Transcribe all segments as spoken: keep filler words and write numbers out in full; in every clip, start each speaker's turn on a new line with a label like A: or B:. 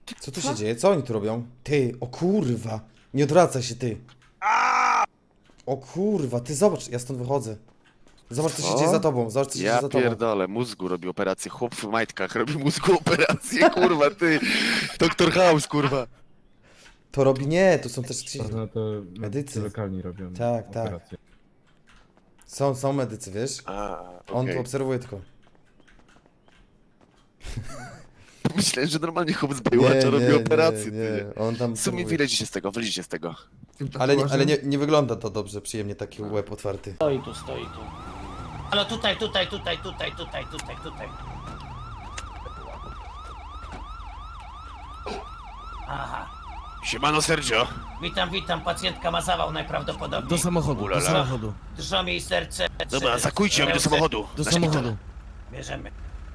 A: Co tu się dzieje? Co oni tu robią? Ty, o kurwa. Nie odwracaj się, ty. O kurwa, ty zobacz, ja stąd wychodzę. Zobacz, co się dzieje za tobą, zobacz, co się dzieje
B: Ja
A: za tobą.
B: pierdolę, mózgu robi operację, chłop w majtkach robi mózgu operację, kurwa, ty. Doktor House, kurwa.
A: To robi nie, to są też ci...
C: No to
A: Medycy.
C: lokalni robią
A: Tak, tak.
C: operacje.
A: Są, są medycy, wiesz?
B: A,
A: On tu
B: okej.
A: obserwuje tylko.
B: Myślałem, że normalnie chłop z Baywatcha robi operację, ty.
A: nie. On tam
B: W sumie
A: obserwuje.
B: wyleźcie się z tego, wyleźcie z tego.
A: Ale, nie, ale nie, nie wygląda to dobrze, przyjemnie taki łeb otwarty.
D: Stoi tu, stoi tu. Ale tutaj, tutaj, tutaj, tutaj, tutaj, tutaj, tutaj. Aha.
B: Siemano, Sergio.
D: Witam, witam. Pacjentka ma zawał najprawdopodobniej.
E: Do samochodu,
B: Ulala.
E: do samochodu,
D: Drżą jej serce.
B: Dobra,
D: trzy-
B: zakujcie ją do
D: ręce.
B: samochodu.
E: do
B: Na szpital.
E: samochodu.
D: Bierzemy.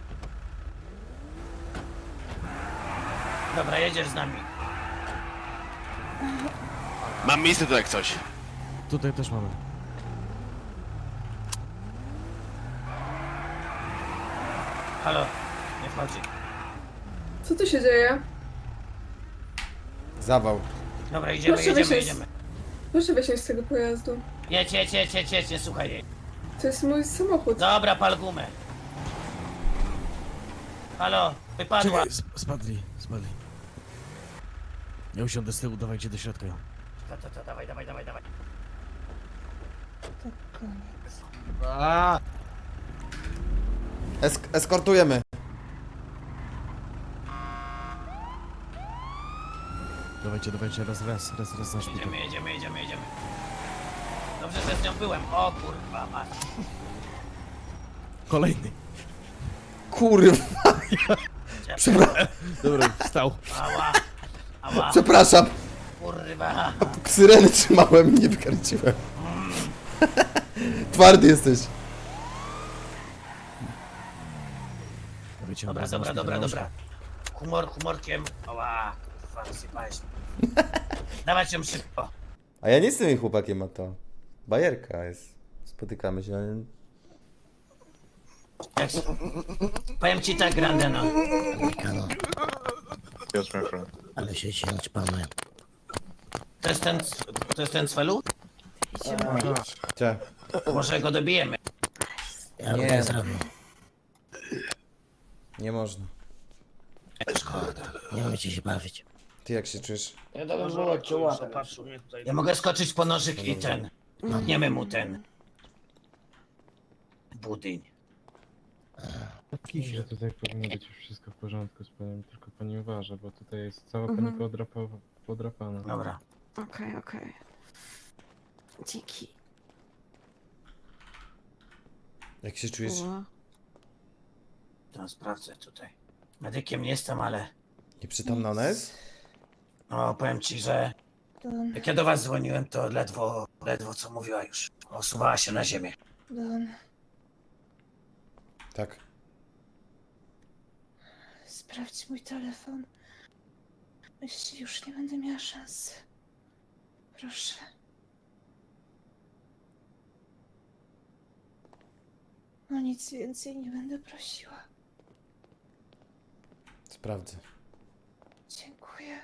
D: Dobra, jedziesz z nami.
B: Mam miejsce tu jak coś.
E: Tutaj też mamy.
D: Halo, nie wchodzi.
F: Co tu się dzieje?
A: Zawał.
D: Dobra, idziemy,
F: Proszę
D: jedziemy,
F: wysiąść.
D: jedziemy.
F: Proszę wysiąść z tego pojazdu.
D: Jedź, jedź, jedź, jedź, jedź, nie słuchaj jej.
F: To jest mój samochód.
D: Dobra, pal gumę. Halo, wypadła.
E: Czekaj, sp- spadli, spadli. Ja usiądę z tyłu, dawajcie do środka.
D: To, to, to, dawaj, dawaj, dawaj, dawaj.
A: Esk eskortujemy.
E: Dawajcie, dawajcie, raz, raz, raz, raz na szpital.
D: Jedziemy, jedziemy, jedziemy, jedziemy. Dobrze, że z nią byłem. O kurwa, masz.
E: Kolejny.
A: Kurwa, Przepra
E: Dobra, wstał.
D: Ała, ała,
A: przepraszam.
D: kurwa.
A: Syreny trzymałem i nie wykręciłem. Twardy jesteś.
E: Dawajcie,
D: Dobra,
E: raz na
D: dobra,
E: szpital,
D: dobra,
E: na
D: dobra. Humor, humorkiem. Ała, kurwa, wysypałeś. Dawać ją szybko.
A: A ja nie jestem jej chłopakiem, a to bajerka jest. Spotykamy się. ale-
D: Jak... Powiem ci tak, Grandeno.
G: Mikano,
C: Yes, my friend.
G: ale się ci naćpamy.
D: To jest ten, to jest ten cwelu?
A: Cie.
D: Może go dobijemy.
G: Ja go
A: Nie.
G: tak zrobię.
A: Nie można.
G: Nie umiecie się bawić.
A: Ty jak się czujesz?
D: Ja to bym było czuła. Ja mogę skoczyć po nożyk i ten. Tniemy mu ten. Budyń.
C: Że tutaj powinno być już wszystko w porządku z panem, tylko pani uważa, bo tutaj jest cała pani podrapa podrapana.
D: Dobra.
F: Okej, okej. Dziki.
A: Jak się czujesz?
D: To sprawdzę tutaj. Medykiem nie jestem, ale
A: Nieprzytomna ona jest?
D: no powiem ci, że jak ja do was dzwoniłem, to ledwo, ledwo co mówiła już. Osuwała się na ziemię.
F: Don,
A: Tak.
F: sprawdź mój telefon. Jeśli już nie będę miała szans. Proszę. No nic więcej nie będę prosiła.
A: Sprawdzę.
F: Dziękuję.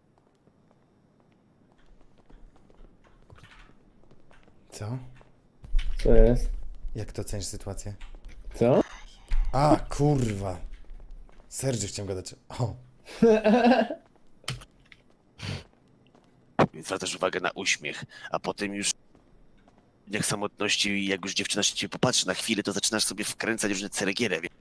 A: Co?
H: Co jest?
A: Jak to ocenisz sytuację?
H: Co?
A: A, kurwa. Sergio chciałem gadać. O.
B: Więc zwracasz uwagę na uśmiech, a potem już w dniach samotności, jak już dziewczyna się ciebie popatrzy na chwilę, to zaczynasz sobie wkręcać różne ceregierę. wie-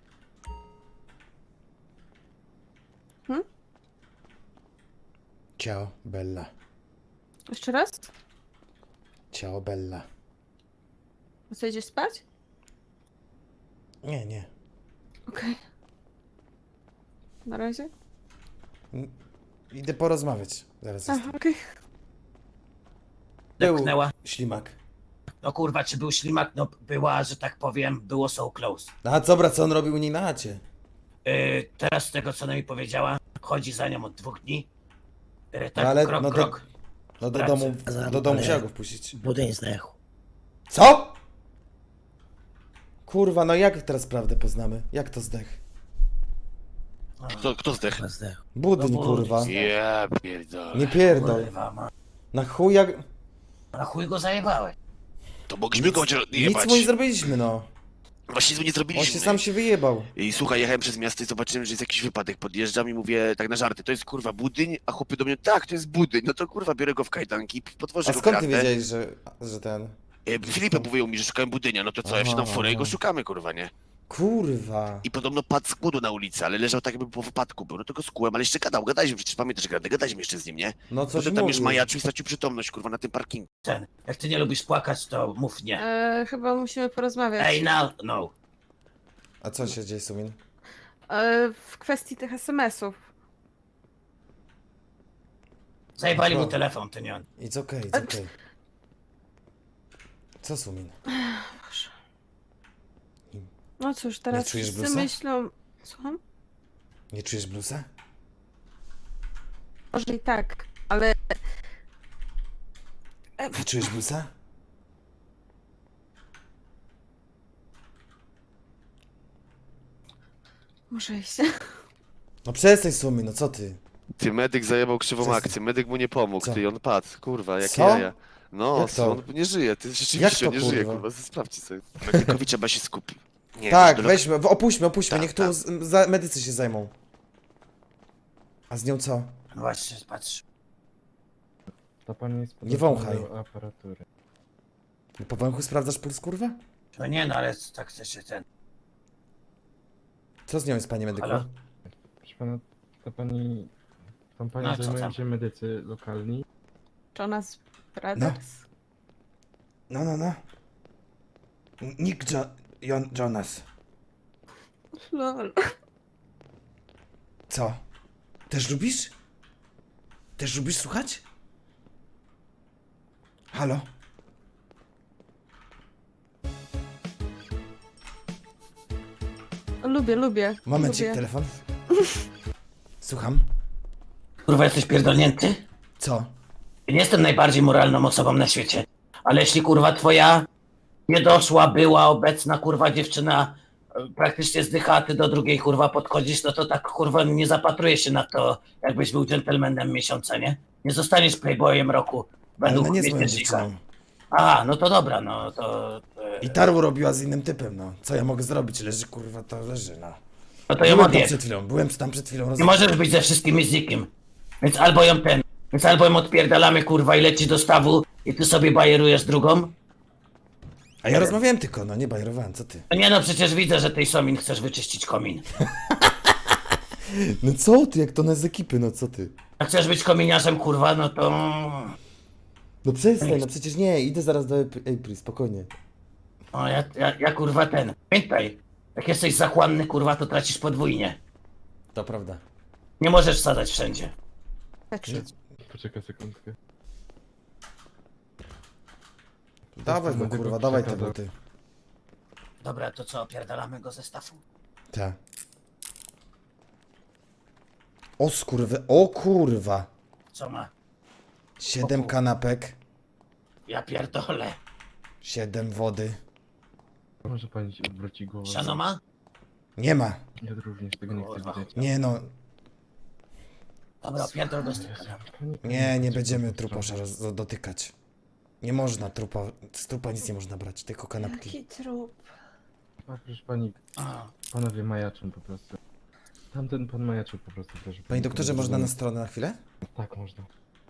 A: Ciao, Bella.
F: Jeszcze raz?
A: Ciao, Bella.
F: Co, idziesz spać?
A: Nie, nie.
F: Okej. Na razie?
A: Idę porozmawiać. Zaraz
F: Aha,
A: jestem.
F: okej.
A: Był
D: Depchnęła.
A: ślimak.
D: No kurwa, czy był ślimak? No była, że tak powiem, było so close.
A: A co, brat, co on robił u niej na chacie?
D: Yy, teraz z tego, co ona mi powiedziała, chodzi za nią od dwóch dni. Yy, tak,
A: No ale-
D: krok,
A: no to-
D: krok.
A: No do
D: Pracy.
A: domu, do domu
G: Ale-
A: musiała go wpuścić.
G: Budyń zdechł.
A: Co? Kurwa, no jak teraz prawdę poznamy? Jak to zdech?
B: Kto, kto zdechł?
G: Chyba zdechł.
A: Budyń,
D: No bo-
A: kurwa.
B: Ja pierdolę.
A: Nie pierdol.
D: Kurwa, ma.
A: Na chuj jak...
D: Na chuj go zajebałeś.
B: To mogliśmy go chociaż
A: Nic
B: jebać.
A: mu nie zrobiliśmy, no.
B: Właśnie nie
A: On
B: zrobiliśmy.
A: się sam się wyjebał.
B: I słuchaj, jechałem przez miasto i zobaczyłem, że jest jakiś wypadek. Podjeżdżam i mówię tak na żarty, to jest kurwa budyń, a chłopy do mnie, tak, to jest budyń. No to kurwa, biorę go w kajdanki, podwożę
A: A
B: go
A: skąd ty
B: kratę.
A: wiedziałeś, że, że ten...
B: E, Filipek mówił mi, że szukałem budynia, no to co, ja wsiadam w furę i go
A: Aha.
B: szukamy, kurwa, nie?
A: Kurwa.
B: I podobno padł z głodu na ulicy, ale leżał tak jakby po wypadku był, no to go skułem, ale jeszcze gadał, gadaliśmy, przecież pamiętasz, gadaliśmy, gadaliśmy jeszcze z nim, nie?
A: No coś
B: Potem tam już
A: mówił.
B: majaczył i stracił przytomność, kurwa, na tym parkingu.
D: Ten, jak ty nie lubisz płakać, to mów nie.
F: E, chyba musimy porozmawiać.
D: Ej, no, no.
A: A co się dzieje, Sumin?
F: E, w kwestii tych es em esów.
D: Zajebali
A: Co?
D: mu telefon, ty nie on.
A: It's okay, it's okay. Co, Sumin?
F: No cóż, teraz
A: czujesz
F: wszyscy
A: bluesa?
F: myślą... Słucham?
A: Nie czujesz bluesa?
F: Może i tak, ale...
A: Nie czujesz bluesa?
F: Muszę iść.
A: No przestań, Sumin, no co ty?
B: Ty, medyk zajebał krzywą
A: Przestań.
B: akcję, medyk mu nie pomógł,
A: Co?
B: ty, i on padł, kurwa, jakie
A: Co?
B: jaja. No,
A: Jak to?
B: on nie żyje, ty
A: Jak
B: rzeczywiście
A: to,
B: nie żyje,
A: kurwa?
B: kurwa, sprawdźcie sobie. Medykowi trzeba się skupić. Nie,
A: Tak,
B: do lek-
A: weźmy, w- opuśćmy, opuśćmy,
B: Tak,
A: niech tu
B: tak.
A: z, za, medycy się zajmą. A z nią co?
D: No właśnie, patrz.
C: Ta pani jest
A: Nie
C: podłączona
A: wąchaj.
C: do aparatury.
A: Po węchu sprawdzasz puls, kurwa?
D: No nie, no ale tak chcesz się ten.
A: Co z nią jest, panie medyku?
D: Halo?
C: Proszę pana, ta pani... Tą panią
D: No, co
C: zajmują
D: tam?
C: się medycy lokalni.
F: Jonas Brothers?
A: No, no, no. Nick jo Jon Jonas.
F: Lol.
A: Co? Też lubisz? Też lubisz słuchać? Halo?
F: Lubię, lubię.
A: Momencik,
F: lubię.
A: telefon. Słucham.
D: Kurwa, jesteś pierdolnięty?
A: Co?
D: Nie jestem najbardziej moralną osobą na świecie, ale jeśli kurwa twoja niedoszła, była obecna kurwa dziewczyna e, praktycznie zdycha, a ty do drugiej kurwa podchodzisz, no to tak kurwa nie zapatrujesz się na to, jakbyś był dżentelmenem miesiąca, nie? Nie zostaniesz playboyem roku
A: Ale
D: według
A: ona nie jest moją
D: miesięcznika.
A: dziewczyną.
D: A, no to dobra, no to... e,
A: I taru robiła z innym typem, no. Co ja mogę zrobić? Leży, kurwa, to leży, no.
D: No to ją
A: Byłem tam
D: odjedź.
A: przed chwilą, byłem tam przed chwilą. Roz...
D: Nie możesz być ze wszystkimi z nikim. Więc albo ją ten, więc albo ją odpierdalamy kurwa i leci do stawu i ty sobie bajerujesz drugą.
A: A ja rozmawiałem tylko, no nie bajerowałem, co ty?
D: No nie no, przecież widzę, że tej Somin chcesz wyczyścić komin.
A: No co ty, jak to na z ekipy, no co ty?
D: Jak chcesz być kominiarzem kurwa, no to...
A: No przestań, no przecież nie, idę zaraz do Ap- April, spokojnie.
D: No ja, ja, ja kurwa ten. Pamiętaj, jak jesteś zachłanny kurwa, to tracisz podwójnie.
A: To prawda.
D: Nie możesz wsadzać wszędzie.
F: Tak.
C: Poczekaj sekundkę.
A: Dawaj go,
C: Medyku
A: kurwa, dawaj te
C: przekazał.
A: buty.
D: Dobra, to co, opierdalamy go ze stafu?
A: Tak. O skurwy, o kurwa.
D: Co ma?
A: Siedem
D: O kur-
A: kanapek,
D: Ja pierdolę.
A: siedem wody.
C: Może pani się odwróci głowę.
D: Siano ma?
A: Nie ma.
C: Ja również tego nie chcę
D: Kurwa.
C: widzieć.
A: Nie no,
D: Dobra, pierdol do
C: Jezu,
D: styka.
C: pani-
A: nie, nie
C: pani-
A: będziemy
C: pani-
A: trupasza roz- dotykać. Nie można trupa, z trupa nic nie można brać, tylko kanapki.
F: Jaki trup.
C: A proszę pani,
D: A,
C: panowie majaczą po prostu. Tamten pan majaczył po prostu też.
A: Panie doktorze, można na stronę na chwilę?
C: Tak, można.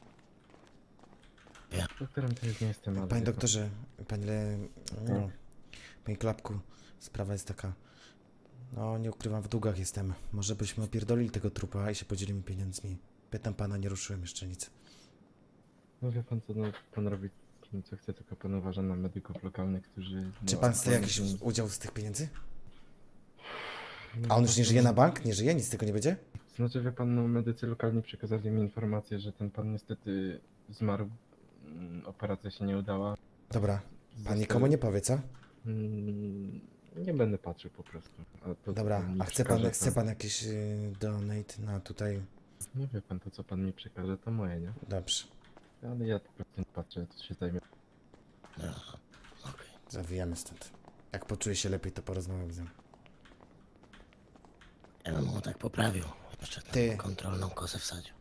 G: Ja.
C: Doktorem to już nie jestem, ale...
A: Panie
C: wie pan.
A: doktorze, panie Le... No, panie Klapku, sprawa jest taka. No, nie ukrywam, w długach jestem. Może byśmy opierdolili tego trupa i się podzielimy pieniędzmi. Pytam pana, nie ruszyłem jeszcze nic.
C: No wie pan co, no, pan robi co chce, tylko pan uważa na medyków lokalnych, którzy...
A: Czy
C: no,
A: pan chce
C: pan-
A: jakiś udział z tych pieniędzy?
C: No,
A: A on już nie
C: to-
A: żyje na bank? Nie żyje? Nic z tego nie będzie?
C: Znaczy wie pan, no medycy lokalni przekazali mi informację, że ten pan niestety zmarł. Mm, Operacja się nie udała.
A: Dobra, pan
C: Został-
A: nikomu nie powie, co?
C: Mm, Nie będę patrzył po prostu. A to, co
A: Dobra,
C: pan mi
A: a chce pan,
C: przekaże,
A: chce pan jakiś y, donate na tutaj?
C: Nie wie pan, to co pan mi przekaże, to moje, nie?
A: Dobrze,
C: Ale ja po prostu nie patrzę, to się zajmie.
G: No, okej.
A: zawijamy stąd. Jak poczuje się lepiej, to porozmawiam z nim.
G: Ja bym mu tak poprawił. Jeszcze tam
A: Ty.
G: kontrolną kozę wsadził.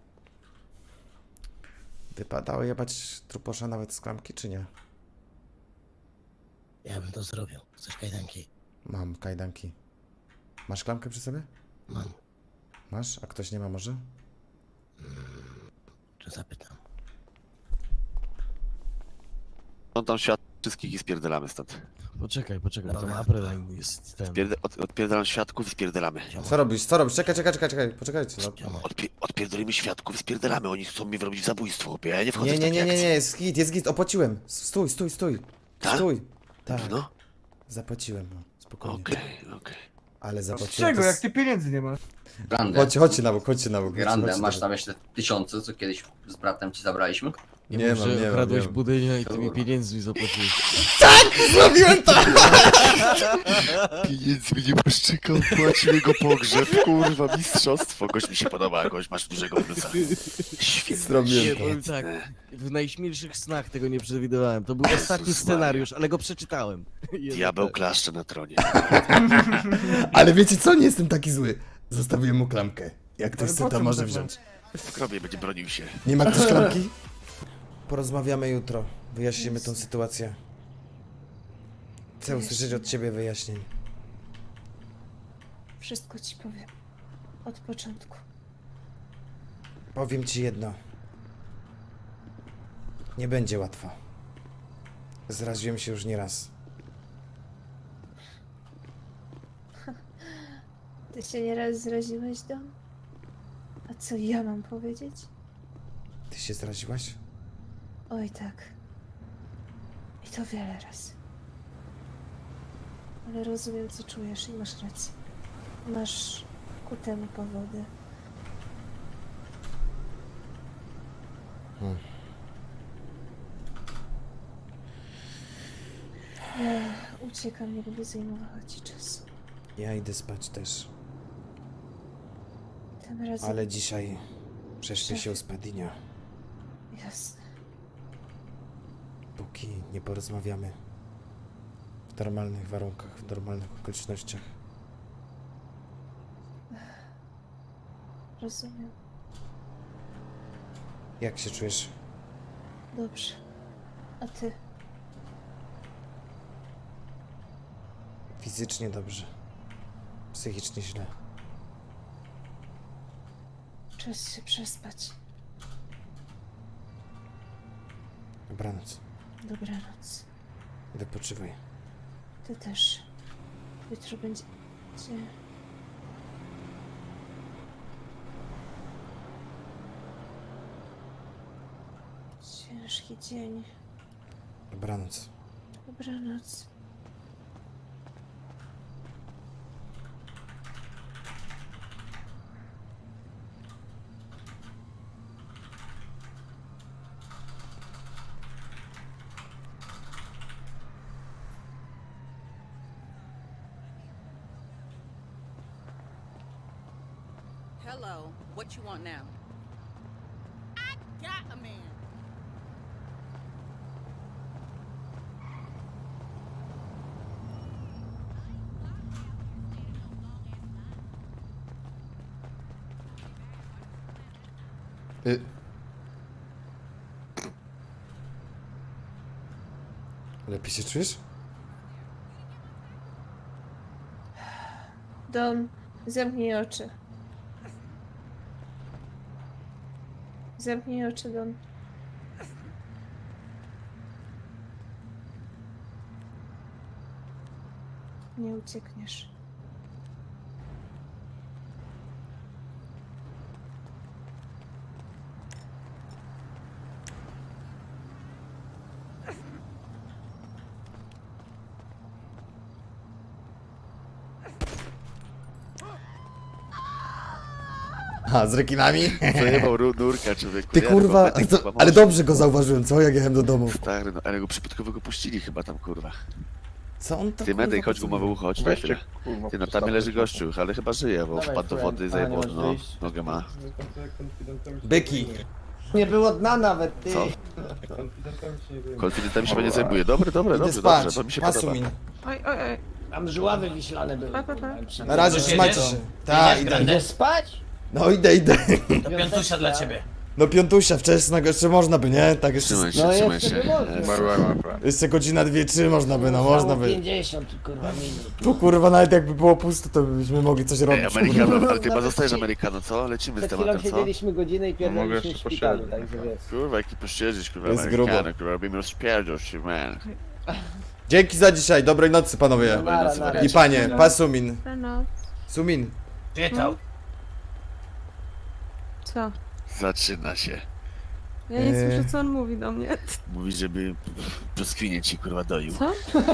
A: Wypadało jebać truposza nawet z klamki, czy nie?
G: Ja bym to zrobił. Chcesz kajdanki?
A: Mam kajdanki. Masz klamkę przy sobie?
G: Mam.
A: Masz? A ktoś nie ma może?
G: Czy zapytam?
B: On tam świat wszystkich i spierdalamy stąd.
E: Poczekaj, poczekaj, to
G: Dobra.
E: Apreline jest ten.
B: Pierda- od, odpierdalam świadków i spierdalamy.
A: Co robisz? Co robisz? Czekaj, czekaj, czekaj, czekaj. Poczekajcie. No.
G: Ziomo,
B: Odpie- odpierdolimy świadków i spierdalamy. Oni chcą mnie wrobić w zabójstwo, chłopie. Ja nie wchodzę
A: Nie,
B: w
A: nie,
B: takie
A: nie, nie,
B: akcje.
A: nie, jest git, jest git, opłaciłem. Stój, stój, stój.
B: Tak?
A: Stój. Tak,
B: No,
A: zapłaciłem, no, spokojnie.
B: okej, okej.
A: Ale
I: Z
A: zapłaciłem.
I: czego,
A: to
I: jak
A: s-
I: ty pieniędzy nie masz?
J: Grande,
A: Chodźcie, chodźcie na bok, chodźcie na bok. chodźcie,
J: Grande,
A: chodźcie
J: masz
A: na
J: tam
A: bok.
J: jeszcze tysiące, co kiedyś z bratem ci zabraliśmy?
E: Nie,
A: Nie
E: mów,
A: mam,
E: że
A: nie mam,
E: okradłeś
A: nie mam.
E: budynia i tymi pieniędzmi zapłaciłeś.
A: Zrobiłem to!
B: Pieniędzmi nie masz czego, płacił jego pogrzeb, kurwa, mistrzostwo. Gość mi się podoba, gość masz dużego plusa. Świetnie.
A: Zrobiłem
E: Nie,
A: to.
E: powiem tak, w najśmielszych snach tego nie przewidywałem. To był ostatni
B: Jezus
E: scenariusz, ale go przeczytałem. Jednak
B: Diabeł
E: tak.
B: klaszcze na tronie.
A: Ale wiecie co? Nie jestem taki zły. Zostawiłem mu klamkę. Jak ktoś
I: Ale
A: chce,
I: po
A: to
I: co
A: może
I: mu tak
A: wziąć.
B: W grobie będzie bronił się.
A: Nie ma ktoś klamki? Porozmawiamy jutro. Wyjaśnimy tą sytuację. Chcę usłyszeć od ciebie wyjaśnień.
F: Wszystko ci powiem. Od początku.
A: Powiem ci jedno. Nie będzie łatwo. Zraziłem się już nieraz.
F: Ty się nieraz zraziłeś, Dom? A co ja mam powiedzieć?
A: Ty się zraziłaś?
F: Oj tak. I to wiele razy. Ale rozumiem, co czujesz i masz rację. Masz ku temu powody.
A: Hmm.
F: Ja uciekam, nie będę zajmowała ci czasu.
A: Ja idę spać też.
F: Tym razem...
A: Ale dzisiaj prześpię się u Spadina.
F: Jasne.
A: Póki nie porozmawiamy. W normalnych warunkach, w normalnych okolicznościach.
F: Rozumiem.
A: Jak się czujesz?
F: Dobrze. A ty?
A: Fizycznie dobrze. Psychicznie źle.
F: Czas się przespać.
A: Dobranoc.
F: Dobranoc.
A: Wypoczywaj.
F: Ty też. Jutro będzie... ciężki dzień.
A: Dobranoc.
F: Dobranoc.
K: Hello, what you want now? I got a man.
A: Y... Lepiej się czujesz?
F: Dom, zamknij oczy. Zamknij oczy, Don. Nie uciekniesz.
A: A, z rekinami?
B: Zajebał ru- nurka, człowieku.
A: Ty
B: Nie,
A: kurwa,
B: no,
A: to,
B: chyba
A: ale
B: może.
A: dobrze go zauważyłem, co? Jak jechałem do domu.
B: Stary, no, ale go przypadkowo go puścili chyba tam, kurwa.
A: Co on to
B: Ty
A: kurwa,
B: medej, chodź
A: podsumuje?
B: gumowy ucho, chodź na chwilę. Ty, no tam leży gościu, ale chyba żyje, bo wpadł do wody, zajebał dno, nogę ma.
A: Byki.
H: Nie było dna nawet, ty.
B: Co? Konfidentami się będzie zajmuje. Dobre, dobre,
A: Idę
B: dobrze,
A: spać.
B: dobrze, to mi się podoba.
A: Pasumin.
F: Oj, oj, oj.
H: Tam żuławy wiślane były.
A: Na razie,
D: Już
A: trzymajcie
D: jedziesz?
A: się. Tak,
D: Jedziesz,
A: idę.
D: Grande?
H: Idę spać?
A: No idę, idę.
D: To piątusia dla ciebie.
A: No piątusia, wczesnego jeszcze można by, nie? Tak jeszcze...
B: Trzymaj się,
H: No
B: trzymaj
H: jeszcze
B: się.
H: by można.
B: Jest-
A: Jeszcze godzina, dwie, trzy można by, no można by.
H: pięćdziesiąt kurwa minut.
A: Tu kurwa nawet jakby było pusto, to byśmy mogli coś
B: Ej,
A: robić. kurwa.
B: Amerykano, ale ty chyba
H: Nawet
B: zostajesz
H: ci-
B: Amerykano, co? Lecimy z
H: Przed chwilą
B: tematem, co?
H: siedzieliśmy godzinę i pierdoliliśmy w szpitalu, także wiesz.
B: Kurwa, jaki posiedzieć, kurwa,
A: Jest
B: Amerykano,
A: grubo.
B: kurwa, robimy rozpierdol się, man.
A: Dzięki za dzisiaj, dobrej nocy panowie.
H: No, nara, nara.
A: I panie, pa Sumin.
F: No,
A: Sumin.
D: Czytał.
F: co?
B: Zaczyna się.
F: Ja nie
A: Eee.
F: słyszę, co on mówi do mnie.
B: Mówi, żeby brzoskwinie ci, kurwa, doił.
F: Co?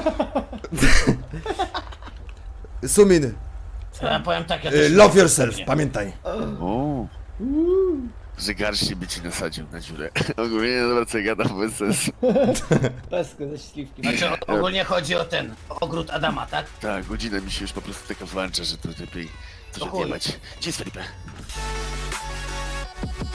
A: Sumin,
D: To ja powiem tak, ja
A: y,
D: też...
A: love yourself, pamiętaj.
B: O. Że garści by ci nasadził na dziurę. Ogólnie nie dobra, co ja gadam, bez sensu.
H: Pesko ze śliwki.
D: Znaczy o- ogólnie chodzi o ten ogród Adama, tak?
B: Tak, godzina mi się już po prostu taka włącza, że to lepiej coś
D: To chuj.
B: odjebać. Gdzie jest Felipe?